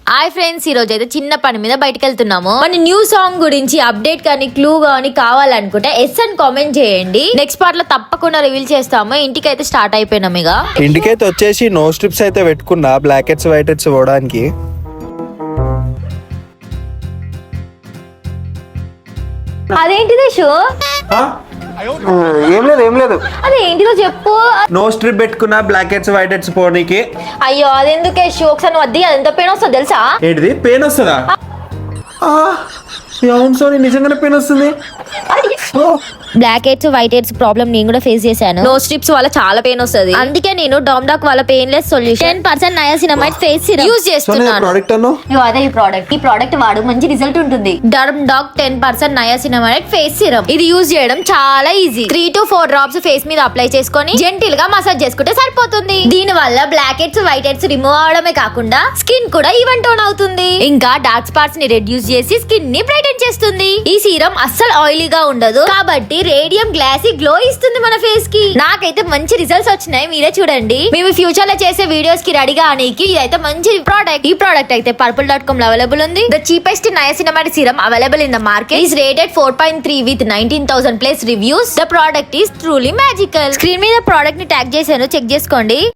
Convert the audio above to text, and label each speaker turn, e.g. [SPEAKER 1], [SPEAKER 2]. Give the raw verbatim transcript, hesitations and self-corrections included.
[SPEAKER 1] Hi friends, ఈ రోజు అయితే చిన్న పని మీద బయటకు వెళ్తున్నాము. మన న్యూ సాంగ్ గురించి అప్డేట్ కానీ క్లూ కానీ కావాలనుకుంటే ఎస్ అని కామెంట్ చేయండి. నెక్స్ట్ పార్ట్ లో తప్పకుండా రివీల్ చేస్తాము. ఇంటికి అయితే స్టార్ట్ అయిపోయినాం. ఇక
[SPEAKER 2] ఇంటికైతే వచ్చేసి నో స్ట్రిప్స్ అయితే పెట్టుకున్నా బ్లాక్ హెడ్స్ వైట్ హెడ్స్ పోవడానికి.
[SPEAKER 1] అదేంటిది షో?
[SPEAKER 2] ఏం లేదు ఏం లేదు
[SPEAKER 1] అదేంటిదో చెప్పు.
[SPEAKER 2] నో స్ట్రిప్ పెట్టుకున్నా బ్లాక్ హెడ్స్ వైట్ హెడ్స్ పోనీకి.
[SPEAKER 1] అయ్యో అదెందుకే షో? ఒకసారి నువ్వు వద్ది, అది ఎంత పెయిన్ వస్తుందో తెలుసా?
[SPEAKER 2] ఏంటిది పెయిన్ వస్తుందా? అవును సోని, నిజంగానే పెయిన్ వస్తుంది.
[SPEAKER 1] Blackheads whiteheads problem నేను కూడా ఫేస్ చేశాను. నో స్ట్రిప్స్ వల్ల చాలా పెయిన్ వస్తుంది. అందుకే నేను డామ్డాక్ వాళ్ళ painless solution ten percent niacinamide face serum use చేస్తున్నాను.
[SPEAKER 2] ప్రోడక్ట్ అను
[SPEAKER 1] ఇగో అదే ఈ ప్రోడక్ట్. ఈ ప్రోడక్ట్ వాడు మంచి రిజల్ట్ ఉంటుంది. Doc ten percent niacinamide face serum. ఇది యూజ్ చేయడం చాలా easy. Three to four drops face మీద అప్లై చేసుకొని జెంటిల్ గా మసాజ్ చేసుకుంటే సరిపోతుంది. దీని వల్ల blackheads whiteheads remove అవడమే కాకుండా స్కిన్ కూడా ఈవెన్ టోన్ అవుతుంది. ఇంకా డార్క్ స్పాట్స్ ని రెడ్యూస్ చేసి స్కిన్ ని బ్రైటన్ చేస్తుంది. ఈ సీరం అస్సలు ఆయిలీగా ఉండదు కాబట్టి రేడియం గ్లాసీ గ్లో ఇస్తుంది మన ఫేస్ కి. నాకైతే మంచి రిజల్ట్స్ వచ్చినాయి, మీరే చూడండి. మేము ఫ్యూచర్ లో చేసే వీడియోస్ కి రెడీగా ఆనికి ఇదైతే మంచి ప్రోడక్ట్. ఈ ప్రోడక్ట్ అయితే పర్పుల్ డాట్ కామ్ లో అవైలబుల్ ఉంది. The cheapest niacinamide serum available in the market is rated four point three with nineteen thousand plus reviews. The product is truly magical. Screen మీద product ని tag చేశాను, check చేసుకోండి.